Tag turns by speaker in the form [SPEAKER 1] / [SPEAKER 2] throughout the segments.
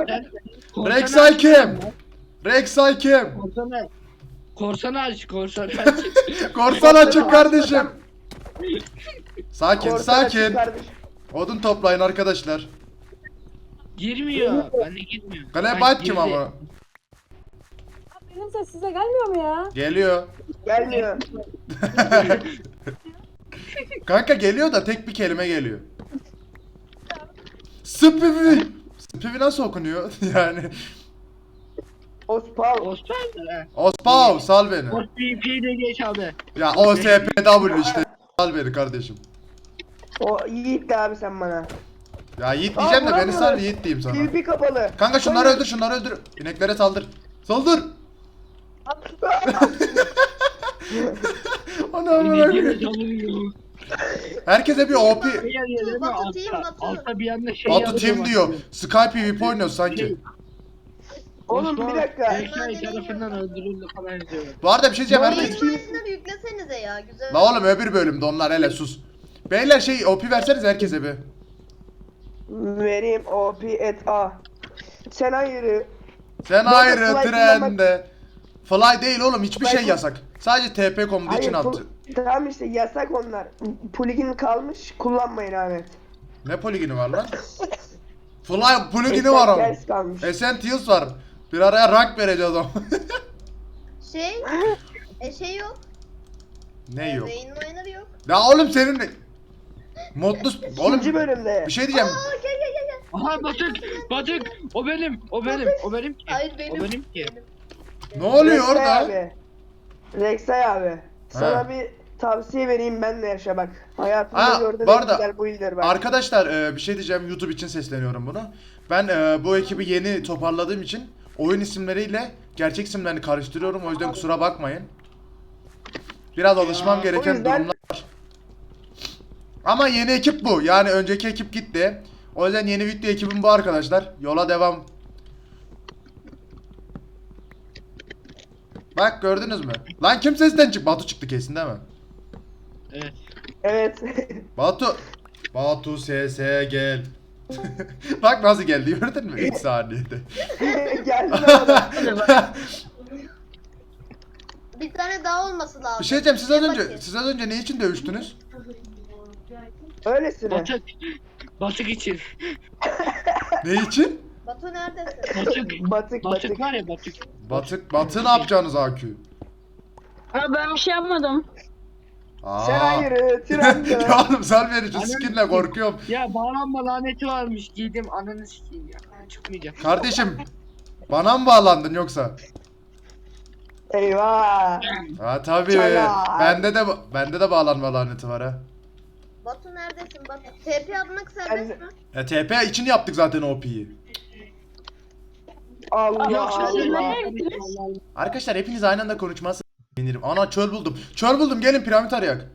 [SPEAKER 1] Rek'Sai kim? Rek'Sai kim?
[SPEAKER 2] Korsanı aç.
[SPEAKER 1] Korsan açık kardeşim. Sakin
[SPEAKER 3] Korsan açık
[SPEAKER 1] sakin.
[SPEAKER 3] kardeşim.
[SPEAKER 1] Odun toplayın arkadaşlar.
[SPEAKER 2] Girmiyor. Ben de girmiyor.
[SPEAKER 1] Glebat kim ama?
[SPEAKER 4] Benim ses size gelmiyor mu ya?
[SPEAKER 1] Geliyor.
[SPEAKER 3] Gelmiyor.
[SPEAKER 1] Kanka geliyor da tek bir kelime geliyor. Spivi. Spivi nasıl okunuyor? Yani.
[SPEAKER 3] Ospav.
[SPEAKER 2] Osman.
[SPEAKER 1] Ospav sal beni.
[SPEAKER 2] OSP'yi de geç abi.
[SPEAKER 1] Ya OSPW işte. Sal beni kardeşim.
[SPEAKER 3] O Yiğit de abi sen bana.
[SPEAKER 1] Ya Yiğit diyeceğim de beni sal
[SPEAKER 3] vuramıyorum.
[SPEAKER 1] Yiğit diyeyim sana.
[SPEAKER 3] PvP kapalı.
[SPEAKER 1] Kanka şunları
[SPEAKER 3] Hayır.
[SPEAKER 1] öldür şunları öldür. İneklere saldır. Saldır. Ana
[SPEAKER 2] Ne
[SPEAKER 1] amına
[SPEAKER 2] gibi
[SPEAKER 1] koyayım.
[SPEAKER 2] çalıyor.
[SPEAKER 1] Herkese bir OP.
[SPEAKER 2] Altta bir anda şey
[SPEAKER 1] Batu
[SPEAKER 2] yazıyor
[SPEAKER 1] Team
[SPEAKER 2] bak.
[SPEAKER 1] diyor. Sky PvP oynuyoruz sanki.
[SPEAKER 3] Oğlum bir dakika.
[SPEAKER 2] Rek'Sai tarafından öldürüldü falan diyor.
[SPEAKER 1] Bu arada bir şey diyeceğim.
[SPEAKER 3] Vallahi-
[SPEAKER 1] Herkes...
[SPEAKER 5] Oyunları yüklesenize ya güzel.
[SPEAKER 1] La oğlum öbür bölümde onlar hele sus. Beyler şey OP verseniz herkese bir.
[SPEAKER 3] Vereyim OP et A. Sen hayırı.
[SPEAKER 1] Sen
[SPEAKER 3] Bu arada
[SPEAKER 1] ayrı
[SPEAKER 3] fly
[SPEAKER 1] trende. Fly değil oğlum hiçbir şey
[SPEAKER 3] Fly-
[SPEAKER 1] yasak. Sadece TP komutu için
[SPEAKER 3] Hayır,
[SPEAKER 1] attı.
[SPEAKER 3] tamam işte yasak onlar. Plugin kalmış kullanmayın Ahmet.
[SPEAKER 1] Ne poligini var lan? Fly poligini var ama.
[SPEAKER 3] Ders kalmış.
[SPEAKER 1] Essentials var. Bir araya rank vereceğiz ama.
[SPEAKER 5] Şey yok.
[SPEAKER 1] Ne yok?
[SPEAKER 5] Beyin oyunları yok.
[SPEAKER 1] Ya oğlum senin ne? Modlu oğlum
[SPEAKER 3] İkinci bölümde.
[SPEAKER 1] bir şey diyeceğim.
[SPEAKER 5] Aa gel.
[SPEAKER 2] Aha Batık. O benim. O benim ki.
[SPEAKER 5] Hayır
[SPEAKER 2] O
[SPEAKER 5] benim.
[SPEAKER 2] benim ki.
[SPEAKER 1] Ne oluyor
[SPEAKER 3] Rek'Sai
[SPEAKER 1] orada?
[SPEAKER 3] Abi. Rek'Sai abi. Sana
[SPEAKER 1] Ha.
[SPEAKER 3] bir tavsiye vereyim ben de yaşa bak. Hayatımda
[SPEAKER 1] Ha,
[SPEAKER 3] gördüğüm
[SPEAKER 1] bu
[SPEAKER 3] en
[SPEAKER 1] arada
[SPEAKER 3] güzel builder bak.
[SPEAKER 1] arkadaşlar bir şey diyeceğim YouTube için sesleniyorum bunu. Ben bu ekibi yeni toparladığım için oyun isimleriyle gerçek isimlerini karıştırıyorum o yüzden kusura bakmayın. Biraz alışmam gereken
[SPEAKER 3] O yüzden-
[SPEAKER 1] durumlar var. Ama yeni ekip bu. Yani önceki ekip gitti. O yüzden yeni video ekibim bu arkadaşlar. Yola devam. Bak gördünüz mü? Lan kim sesten çık? Batu çıktı kesin değil mi?
[SPEAKER 2] Evet.
[SPEAKER 3] Evet.
[SPEAKER 1] Batu. Batu sese gel. Bak nasıl geldi gördün mü? 3 saniyede.
[SPEAKER 3] Geldi bana.
[SPEAKER 5] Bir tane daha olması lazım.
[SPEAKER 1] Bir şey diyeceğim
[SPEAKER 5] Bakayım.
[SPEAKER 1] siz az önce ne için dövüştünüz?
[SPEAKER 3] Öylesine.
[SPEAKER 2] Batık için.
[SPEAKER 1] Ne için?
[SPEAKER 5] Batu neredesin?
[SPEAKER 3] Batık
[SPEAKER 2] Batık
[SPEAKER 3] batık.
[SPEAKER 2] var ya Batık.
[SPEAKER 1] Batı ne yapacaksınız AQ?
[SPEAKER 4] Ha, ben bir şey yapmadım.
[SPEAKER 1] Aa.
[SPEAKER 3] Sen hayırı trende.
[SPEAKER 1] Ya oğlum sal beni şu
[SPEAKER 2] Ananı
[SPEAKER 1] skinle
[SPEAKER 2] sikeyim.
[SPEAKER 1] korkuyorum.
[SPEAKER 2] Ya bağlanma laneti varmış giydim ananı sikeyim ya. Çıkmayacak.
[SPEAKER 1] Kardeşim bana mı bağlandın yoksa?
[SPEAKER 3] Eyvah.
[SPEAKER 1] Ha tabii.
[SPEAKER 3] Çala.
[SPEAKER 1] Bende de bağlanma laneti var ha.
[SPEAKER 5] Batu neredesin Batu? TP atmak serbest mi?
[SPEAKER 1] TP için yaptık zaten OP'yi.
[SPEAKER 3] Allah
[SPEAKER 2] Yoksa
[SPEAKER 4] siz
[SPEAKER 3] Allah.
[SPEAKER 4] nereye gittiniz?
[SPEAKER 1] Arkadaşlar hepiniz aynı anda konuşmazsınız. Sevinirim. Ana çöl buldum. Çöl buldum gelin piramit arayak.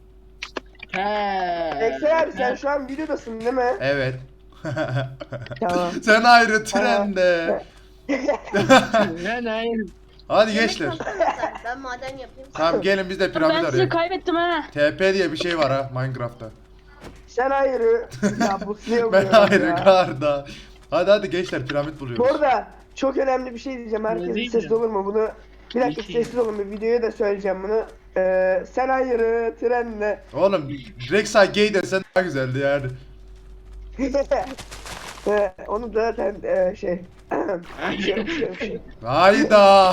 [SPEAKER 2] He.
[SPEAKER 3] Rek'Sai abi sen şu an videodasın değil mi?
[SPEAKER 1] Evet.
[SPEAKER 3] Tamam.
[SPEAKER 1] Sen ayrı trende.
[SPEAKER 2] Ne?
[SPEAKER 1] Hadi
[SPEAKER 5] Yemek
[SPEAKER 1] gençler.
[SPEAKER 5] yapsana sen. Ben maden yapayım.
[SPEAKER 1] Tamam gelin biz de piramit
[SPEAKER 4] Ben sizi
[SPEAKER 1] arayalım.
[SPEAKER 4] kaybettim ha.
[SPEAKER 1] TP diye bir şey var ha Minecraft'ta.
[SPEAKER 3] Sen hayırı. Ya bu size
[SPEAKER 1] Ben ayrı
[SPEAKER 3] ya.
[SPEAKER 1] karda. Hadi gençler piramit
[SPEAKER 3] Bu
[SPEAKER 1] buluyoruz.
[SPEAKER 3] arada çok önemli bir şey diyeceğim. Herkes
[SPEAKER 2] değil
[SPEAKER 3] sessiz
[SPEAKER 2] mi?
[SPEAKER 3] olur mu? Bunu bir dakika
[SPEAKER 2] Bir şey.
[SPEAKER 3] sessiz olun. Bir videoya da söyleyeceğim bunu. Sen hayırı trenle.
[SPEAKER 1] Oğlum Rek'Sai gay desen daha güzeldi yani.
[SPEAKER 3] Onu da zaten şey.
[SPEAKER 1] Hayda.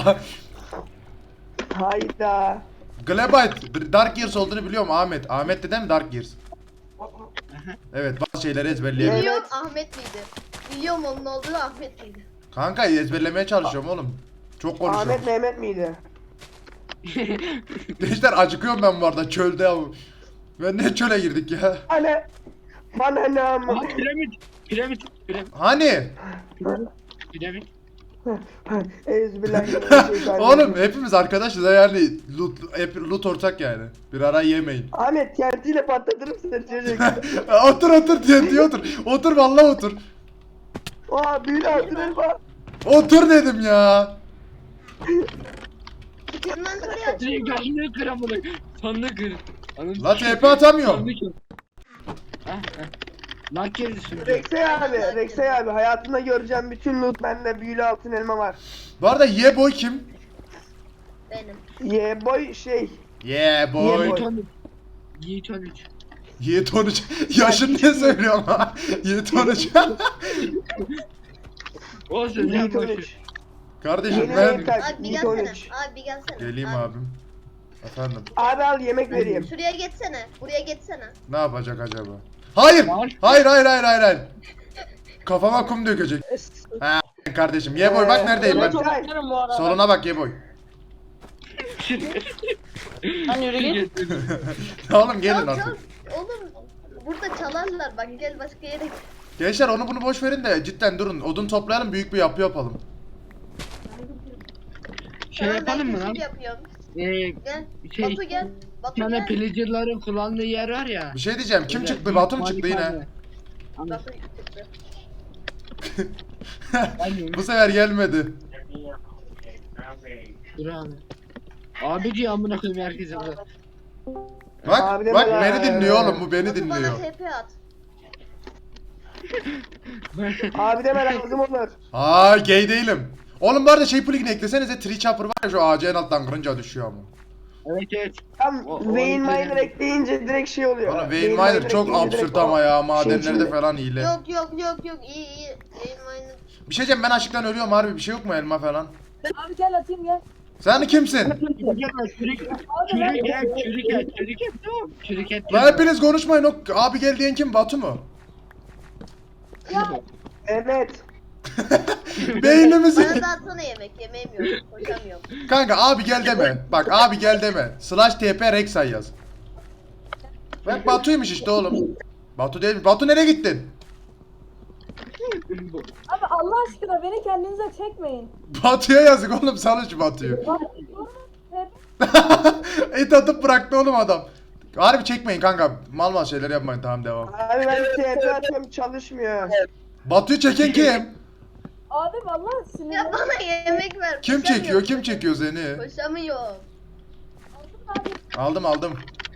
[SPEAKER 3] Hayda.
[SPEAKER 1] Glebite Dark Years olduğunu biliyorum Ahmet. Ahmet de değil mi Dark Years? Evet bazı şeyleri ezberleyebiliyorum.
[SPEAKER 5] Biliyorum Ahmet miydi? Biliyorum onun olduğu Ahmet miydi?
[SPEAKER 1] Kanka ezberlemeye çalışıyorum oğlum. Çok konuşuyorum.
[SPEAKER 3] Ahmet Mehmet miydi?
[SPEAKER 1] Gençler acıkıyorum ben bu arada çölde ya. Ben ne çöle girdik ya?
[SPEAKER 3] Anne. Bana ne ama.
[SPEAKER 2] Aha piramit.
[SPEAKER 1] Hani?
[SPEAKER 2] Piramit.
[SPEAKER 3] Euzubillahimineşşeytanirracim.
[SPEAKER 1] Oğlum hepimiz arkadaşız ha yani loot ortak yani. Bir ara yemeyin.
[SPEAKER 3] Ahmet TNT'yle patlatırım seni çocuk.
[SPEAKER 1] Otur diye otur. Otur vallahi otur.
[SPEAKER 3] Aa büyülü hatırır bak.
[SPEAKER 1] Otur dedim ya.
[SPEAKER 5] Inventory aç.
[SPEAKER 2] Direkt sandığı kır amına. Sandığı kır. Ananı
[SPEAKER 1] La
[SPEAKER 2] sikeyim.
[SPEAKER 1] TP atamıyorum.
[SPEAKER 2] Sandığı kır. Heh. Lan gerisi.
[SPEAKER 3] Rexay abi hayatında göreceğim bütün loot bende, büyülü altın elma var.
[SPEAKER 1] Bu arada Yeboy kim?
[SPEAKER 5] Benim.
[SPEAKER 3] Boy şey.
[SPEAKER 1] Yeboy.
[SPEAKER 3] Boy.
[SPEAKER 2] Yiğit 13.
[SPEAKER 1] Yiğit 13. Yaşın ne söylüyorum ha? Yiğit 13.
[SPEAKER 2] O sen
[SPEAKER 3] Yiğit
[SPEAKER 2] boş ver.
[SPEAKER 3] 13.
[SPEAKER 1] Kardeşim
[SPEAKER 3] Yeni
[SPEAKER 1] ben...
[SPEAKER 3] renk tak,
[SPEAKER 5] Abi bir
[SPEAKER 3] Yiğit
[SPEAKER 5] gelsene.
[SPEAKER 3] 13.
[SPEAKER 5] Abi bir gelsene.
[SPEAKER 1] Geleyim
[SPEAKER 5] Abi,
[SPEAKER 1] abim. Efendim.
[SPEAKER 3] Abi al yemek vereyim.
[SPEAKER 5] Şuraya geçsene. Buraya geçsene.
[SPEAKER 1] Ne yapacak acaba? Hayır!
[SPEAKER 2] Var.
[SPEAKER 1] Hayır. Kafama kum dökecek. Ha kardeşim. Yeboy bak neredeyim ben.
[SPEAKER 4] Toplarım bu arada.
[SPEAKER 1] Soluna bak Yeboy.
[SPEAKER 4] Lan yürü git.
[SPEAKER 1] Oğlum gelin
[SPEAKER 5] Çal,
[SPEAKER 1] artık.
[SPEAKER 5] çal. Oğlum burada çalarlar bak gel başka yere git.
[SPEAKER 1] Gençler onu bunu boş verin de cidden durun. Odun toplayalım, büyük bir yapı yapalım.
[SPEAKER 2] Şey
[SPEAKER 5] Tamam,
[SPEAKER 2] yapalım
[SPEAKER 5] ben
[SPEAKER 2] mı lan?
[SPEAKER 5] keşif yapıyorum.
[SPEAKER 2] Gel.
[SPEAKER 5] Gel.
[SPEAKER 2] Şey,
[SPEAKER 5] Batu gel.
[SPEAKER 2] bir
[SPEAKER 5] Batu
[SPEAKER 2] tane
[SPEAKER 5] gel.
[SPEAKER 2] pillager'ların kullandığı yer var ya.
[SPEAKER 1] Bir şey diyeceğim. Kim
[SPEAKER 2] Öyle
[SPEAKER 1] çıktı?
[SPEAKER 2] büyük
[SPEAKER 1] Batu mu çıktı yine?
[SPEAKER 2] malikane. Anladım.
[SPEAKER 5] Batu çıktı.
[SPEAKER 1] Bu sefer gelmedi.
[SPEAKER 2] Dur abi. Abici amına koyayım herkese burada.
[SPEAKER 1] Bak
[SPEAKER 3] Abi de
[SPEAKER 1] bak
[SPEAKER 3] bana-
[SPEAKER 1] beni dinliyor oğlum. Bu beni
[SPEAKER 5] Batu
[SPEAKER 1] dinliyor.
[SPEAKER 5] bana TP at.
[SPEAKER 3] Abi deme lazım olur.
[SPEAKER 1] Aa gay değilim. Oğlum bu arada şey plugin'i eklesenize, tree chopper var ya, şu ağacı en alttan kırınca düşüyor ama.
[SPEAKER 2] Evet.
[SPEAKER 3] Tam
[SPEAKER 2] O-
[SPEAKER 3] Vein
[SPEAKER 2] o-
[SPEAKER 3] Miner ekleyince direkt şey oluyor.
[SPEAKER 1] Oğlum Vein Miner çok
[SPEAKER 3] ekleyince
[SPEAKER 1] absürt
[SPEAKER 3] direkt
[SPEAKER 1] ama ya,
[SPEAKER 3] o
[SPEAKER 1] madenlerde
[SPEAKER 3] içinde.
[SPEAKER 1] falan hile.
[SPEAKER 5] Yok iyi. Benim aynı.
[SPEAKER 1] Bir şey diyeceğim, ben açlıktan ölüyorum harbi, bir şey yok mu elma falan?
[SPEAKER 4] Abi gel atayım gel.
[SPEAKER 1] Sen kimsin?
[SPEAKER 2] Çürük et. Tamam. Çürük et.
[SPEAKER 1] Lan hepiniz konuşmayın, o abi gel diyen kim? Batu mu?
[SPEAKER 3] Evet.
[SPEAKER 1] Beynimizi.
[SPEAKER 5] Bana da atsana yemek. Yemeğim yok. Koşamıyorum.
[SPEAKER 1] Kanka abi gel deme. Bak abi gel deme. /TP Rexay yaz. Bak Batu'ymuş işte oğlum. Batu değil mi? Batu nereye gittin?
[SPEAKER 4] Abi Allah aşkına beni kendinize çekmeyin.
[SPEAKER 1] Batu'ya yazık oğlum, salın şu Batu'yu.
[SPEAKER 4] Bak, hep
[SPEAKER 1] Et atıp bıraktı oğlum adam. Harbi çekmeyin kanka. Mal şeyler yapmayın, tamam devam.
[SPEAKER 3] Abi ben TP atıyorum çalışmıyor.
[SPEAKER 1] Batu'yu çeken kim?
[SPEAKER 4] abi vallahi
[SPEAKER 5] Ya
[SPEAKER 4] sinirlendim.
[SPEAKER 5] bana yemek ver.
[SPEAKER 1] Kim
[SPEAKER 5] koşamıyorum.
[SPEAKER 1] çekiyor? Kim çekiyor seni?
[SPEAKER 5] Koşamıyorum.
[SPEAKER 1] Aldım.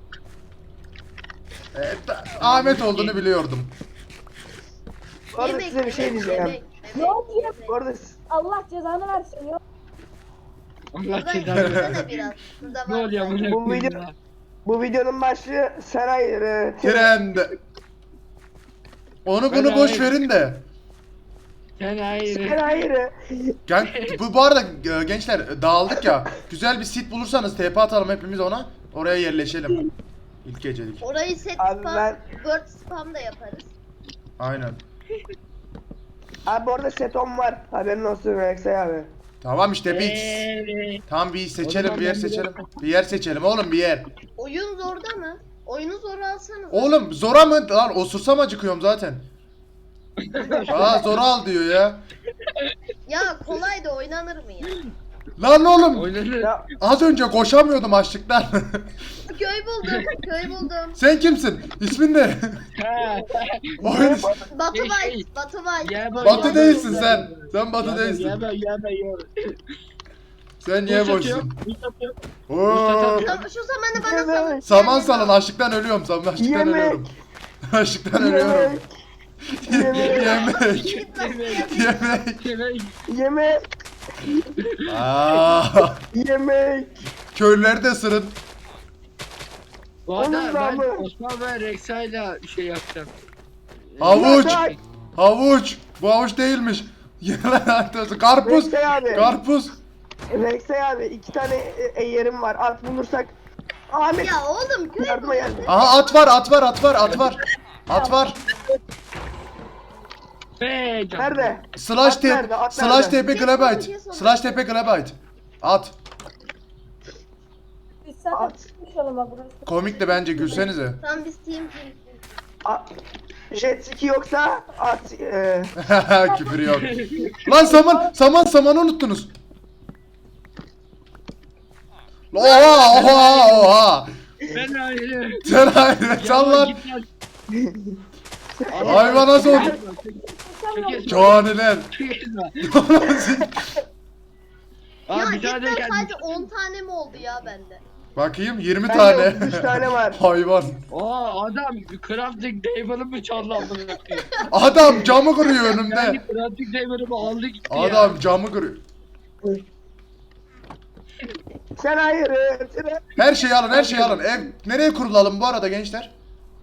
[SPEAKER 1] Evet, Ahmet olduğunu biliyordum.
[SPEAKER 3] Bu arada size bir şey diyeceğim.
[SPEAKER 4] Ne oldu ya?
[SPEAKER 3] Bu arada
[SPEAKER 4] Allah cezanı versin ya.
[SPEAKER 2] Allah
[SPEAKER 5] Buradan
[SPEAKER 2] cezanı
[SPEAKER 5] yürüsene biraz. Burada
[SPEAKER 2] Ne
[SPEAKER 5] var.
[SPEAKER 2] oluyor amına
[SPEAKER 3] Bu
[SPEAKER 2] koyayım
[SPEAKER 3] video-
[SPEAKER 2] ya?
[SPEAKER 3] bu videonun başlığı Seray
[SPEAKER 1] Trend. Onu bunu boş verin de.
[SPEAKER 2] Sen hayır.
[SPEAKER 3] Seray
[SPEAKER 1] Bu arada gençler dağıldık ya. Güzel bir sit bulursanız TP atalım hepimiz ona. Oraya yerleşelim. İlk gecelik.
[SPEAKER 5] Orayı set
[SPEAKER 3] Abi
[SPEAKER 5] spam,
[SPEAKER 3] ben-
[SPEAKER 5] word spam da yaparız.
[SPEAKER 1] Aynen.
[SPEAKER 3] Abi bu arada setom var. Haberin olsun Rexay abi.
[SPEAKER 1] Tamam işte bir tamam bir seçelim, bir yer seçelim. Bir yer seçelim oğlum, bir yer.
[SPEAKER 5] Oyun zorda mı? Oyunu zora alsanız.
[SPEAKER 1] Oğlum zora mı? Lan osursam acıkıyorum zaten. Aa zora al diyor ya.
[SPEAKER 5] Ya kolay da oynanır mı ya?
[SPEAKER 1] Lan oğlum
[SPEAKER 2] Oynanır.
[SPEAKER 3] Ya
[SPEAKER 1] az önce koşamıyordum açlıktan.
[SPEAKER 5] Köy buldum.
[SPEAKER 1] Sen kimsin? İsmin ne?
[SPEAKER 2] Ha.
[SPEAKER 1] Oyun...
[SPEAKER 5] Batu
[SPEAKER 2] Şey,
[SPEAKER 5] White, Batu White.
[SPEAKER 2] Yaba,
[SPEAKER 1] Batı
[SPEAKER 2] yaba,
[SPEAKER 1] değilsin
[SPEAKER 2] yaba.
[SPEAKER 1] sen. Sen Batı değilsin.
[SPEAKER 2] Yaba.
[SPEAKER 1] Sen niye boşsun? Oo.
[SPEAKER 5] Şu zamanı bana salın.
[SPEAKER 1] Saman salın, açlıktan ölüyorum. Açlıktan
[SPEAKER 3] Yemek.
[SPEAKER 1] ölüyorum. Açlıktan ölüyorum.
[SPEAKER 3] yemek.
[SPEAKER 1] Yemek.
[SPEAKER 3] Yemek.
[SPEAKER 1] Aa,
[SPEAKER 3] Yemek.
[SPEAKER 1] köylüleri de ısırın.
[SPEAKER 2] Bu arada
[SPEAKER 3] Onun
[SPEAKER 2] ben
[SPEAKER 3] namı.
[SPEAKER 2] Osman ve Rexa'yla şey yapacağım.
[SPEAKER 1] Havuç.
[SPEAKER 3] Yemek.
[SPEAKER 1] Havuç. Bu havuç değilmiş. Karpuz.
[SPEAKER 3] Rexay abi.
[SPEAKER 1] Karpuz.
[SPEAKER 3] Rexay abi 2 tane yerim var. At bulursak. Ahmet.
[SPEAKER 5] Ya oğlum köy
[SPEAKER 3] Yardıma
[SPEAKER 5] buldum.
[SPEAKER 3] geldi.
[SPEAKER 1] Aha at var. At var.
[SPEAKER 2] Be canım.
[SPEAKER 3] Nerede?
[SPEAKER 1] /TP
[SPEAKER 3] nerede? At nerede?
[SPEAKER 1] Glabite. /TP Glabite. At.
[SPEAKER 4] Biz zaten
[SPEAKER 3] At.
[SPEAKER 4] çıkmışalım bak burası.
[SPEAKER 1] Komik de bence, gülsenize.
[SPEAKER 5] Tam biz team.
[SPEAKER 3] Jet ski yoksa at.
[SPEAKER 1] Küfür yok. Lan samanı unuttunuz. Oha.
[SPEAKER 2] Ben hayır.
[SPEAKER 1] Sen hayır çal lan. Hayvana sor. Caniler.
[SPEAKER 5] Ya
[SPEAKER 2] Abi bir tane
[SPEAKER 5] cidden
[SPEAKER 2] gelmiş.
[SPEAKER 5] sadece 10 tane mi oldu ya bende?
[SPEAKER 1] Bakayım 20
[SPEAKER 3] Bende
[SPEAKER 1] tane.
[SPEAKER 3] 33 tane var.
[SPEAKER 1] Hayvan.
[SPEAKER 2] Aa adam crafting table'ı mı çaldı amına koyayım?
[SPEAKER 1] Adam camı kırıyor önümde.
[SPEAKER 2] Yani crafting table'ımı aldı gitti ya.
[SPEAKER 1] Adam camı kırıyor.
[SPEAKER 3] Sen hayır.
[SPEAKER 1] Her şeyi alın, her şeyi alın. Ev nereye kurulalım bu arada gençler?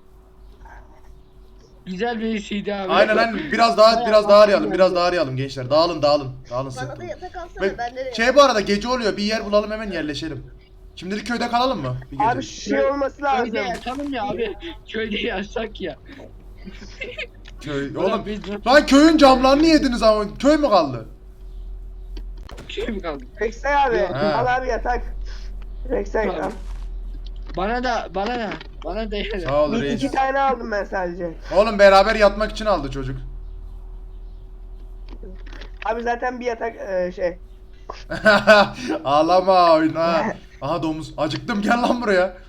[SPEAKER 2] Güzel bir şeydi abi.
[SPEAKER 1] Aynen aynen. Biraz daha arayalım. Biraz daha arayalım gençler. Dağılın. Dağılın
[SPEAKER 5] Bana
[SPEAKER 1] sıkın.
[SPEAKER 5] da yatak alsana
[SPEAKER 1] Ve-
[SPEAKER 5] bende de.
[SPEAKER 1] Şey bu arada gece oluyor. Bir yer bulalım hemen yerleşelim. Şimdilik köyde kalalım mı? Bir gece.
[SPEAKER 3] Abi şey olması lazım.
[SPEAKER 2] Köyde yatalım ya abi. Köyde yaşsak ya.
[SPEAKER 1] Köy.
[SPEAKER 2] Oğlum
[SPEAKER 1] Oğlum.
[SPEAKER 2] biz
[SPEAKER 1] Lan köyün camlarını yediniz ama köy mü kaldı?
[SPEAKER 2] şey mi kaldı?
[SPEAKER 3] Rexay abi.
[SPEAKER 1] Ha.
[SPEAKER 3] Al abi yatak. Rexay al.
[SPEAKER 2] Bana da yani.
[SPEAKER 1] Sağ ol
[SPEAKER 3] Bir
[SPEAKER 1] reis.
[SPEAKER 3] iki tane aldım ben sadece.
[SPEAKER 1] Oğlum beraber yatmak için aldı çocuk.
[SPEAKER 3] Abi zaten bir yatak şey.
[SPEAKER 1] Ağlama oyna. Aha domuz. Acıktım gel lan buraya.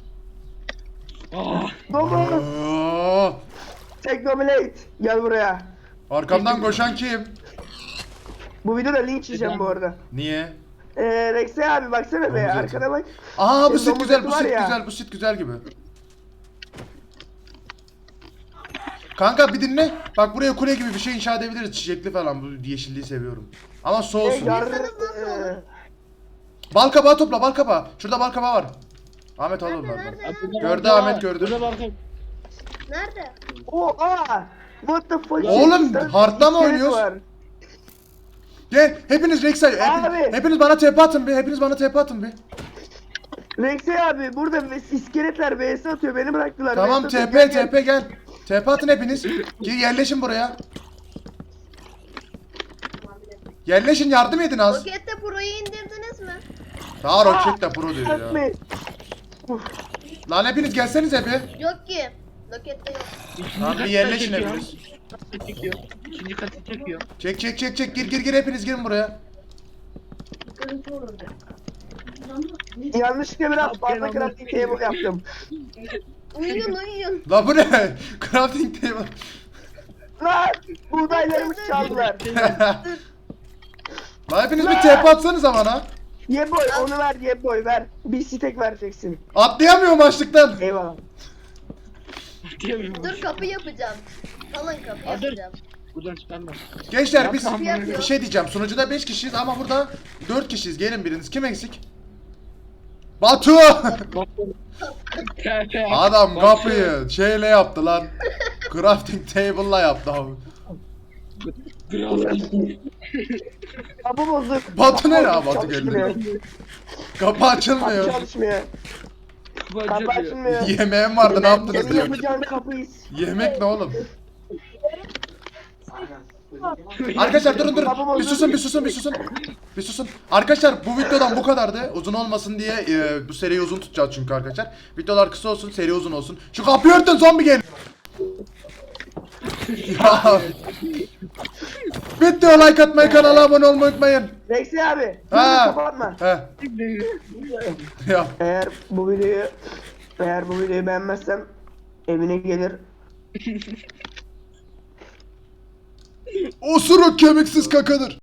[SPEAKER 2] Ah,
[SPEAKER 3] Domuz.
[SPEAKER 1] Aa,
[SPEAKER 3] Teknoblade. Gel buraya.
[SPEAKER 1] arkamdan koşan kim?
[SPEAKER 3] Bu videoda linç yiyeceğim bu arada.
[SPEAKER 1] Niye?
[SPEAKER 3] Rexay abi baksana be
[SPEAKER 1] Domuz
[SPEAKER 3] arkana bak.
[SPEAKER 1] Aa bu
[SPEAKER 3] Senin
[SPEAKER 1] sit güzel, bu
[SPEAKER 3] domuz eti
[SPEAKER 1] sit
[SPEAKER 3] var ya.
[SPEAKER 1] güzel, bu sit güzel gibi. Kanka bir dinle. Bak buraya kule gibi bir şey inşa edebiliriz. Çiçekli falan. Bu yeşilliği seviyorum. Ama su olsun. Bal kabağı topla, bal kabağı. Şurada bal kabağı var. Ahmet al onlardan.
[SPEAKER 5] Nerede?
[SPEAKER 2] abi burada
[SPEAKER 1] Gördü
[SPEAKER 2] bak-
[SPEAKER 1] Ahmet, gördü.
[SPEAKER 2] Burada bakın.
[SPEAKER 5] Nerede?
[SPEAKER 3] Oha. What the fuck?
[SPEAKER 1] Oğlum, hardla mı
[SPEAKER 3] İskelet
[SPEAKER 1] oynuyoruz?
[SPEAKER 3] var.
[SPEAKER 1] Gel hepiniz Rex'e.
[SPEAKER 3] Abi.
[SPEAKER 1] Hepiniz bana TP atın bir. Hepiniz bana TP atın bir.
[SPEAKER 3] Rexay abi burada iskeletler vs atıyor beni bıraktılar.
[SPEAKER 1] Tamam
[SPEAKER 3] VS atıyor.
[SPEAKER 1] TP
[SPEAKER 3] Gel, gel.
[SPEAKER 1] TP gel. TP atın hepiniz. Gel yerleşin buraya. Yerleşin, yardım edin az.
[SPEAKER 5] Rokette Pro'yu indirdiniz mi?
[SPEAKER 1] Daha roket de pro diyor ya.
[SPEAKER 3] Atmayın.
[SPEAKER 1] Lan hepiniz gelsenize bir.
[SPEAKER 5] Yok ki. Rokette yok.
[SPEAKER 1] Tamam bir
[SPEAKER 2] katı
[SPEAKER 1] yerleşin
[SPEAKER 2] çekiyor.
[SPEAKER 1] hepiniz.
[SPEAKER 2] Çekiyor. İkinci katı çekiyor.
[SPEAKER 1] Çek çek çek çek gir hepiniz girin buraya.
[SPEAKER 3] Yanlışlıkla biraz fazla crafting table yaptım.
[SPEAKER 5] Uyuyun.
[SPEAKER 1] La bu ne? Crafting table.
[SPEAKER 3] Lan buğdaylarımı çaldılar.
[SPEAKER 1] La hepiniz bir TP atsanıza bana.
[SPEAKER 3] Yeboy onu ver Yeboy ver. Bir stek vereceksin.
[SPEAKER 1] Atlayamıyorum açlıktan.
[SPEAKER 3] Eyvallah.
[SPEAKER 2] Diyemiyorum.
[SPEAKER 5] Dur kapı yapacağım. Alın kapı
[SPEAKER 2] Dur.
[SPEAKER 5] yapacağım.
[SPEAKER 2] Buradan çıkarma.
[SPEAKER 1] Gençler biz
[SPEAKER 2] Yapma.
[SPEAKER 1] bir şey diyeceğim. Sunucuda 5 kişiyiz ama burada 4 kişiyiz. Gelin biriniz. Kim eksik? Batu! Adam kapıyı şeyle yaptı lan. Crafting table'la yaptı abi.
[SPEAKER 3] Kapı bozuk.
[SPEAKER 1] Batu ne ya?
[SPEAKER 3] Kapı
[SPEAKER 1] Batu
[SPEAKER 3] çalışmıyor.
[SPEAKER 1] geldi. Kapı
[SPEAKER 3] Kapı
[SPEAKER 1] açılmıyor.
[SPEAKER 3] çalışmıyor. Kapı açılmıyor.
[SPEAKER 1] Yemeğim vardı ne yaptınız
[SPEAKER 3] Senin
[SPEAKER 1] diyor.
[SPEAKER 3] yapacağın kapıyız.
[SPEAKER 1] Yemek ne oğlum? Arkadaşlar durun durun. Bir susun. Arkadaşlar bu videodan bu kadardı. Uzun olmasın diye bu seriyi uzun tutacağız çünkü arkadaşlar. Videolar kısa olsun, seri uzun olsun. Şu kapıyı örtün zombi gel. Ya. Video like atmayı, kanala abone olmayı unutmayın.
[SPEAKER 3] Rexy abi.
[SPEAKER 1] Ha.
[SPEAKER 3] Kapatma.
[SPEAKER 1] He. Ya.
[SPEAKER 3] Eğer bu videoyu beğenmezsem evine gelir.
[SPEAKER 1] Osuruk kemiksiz kakadır.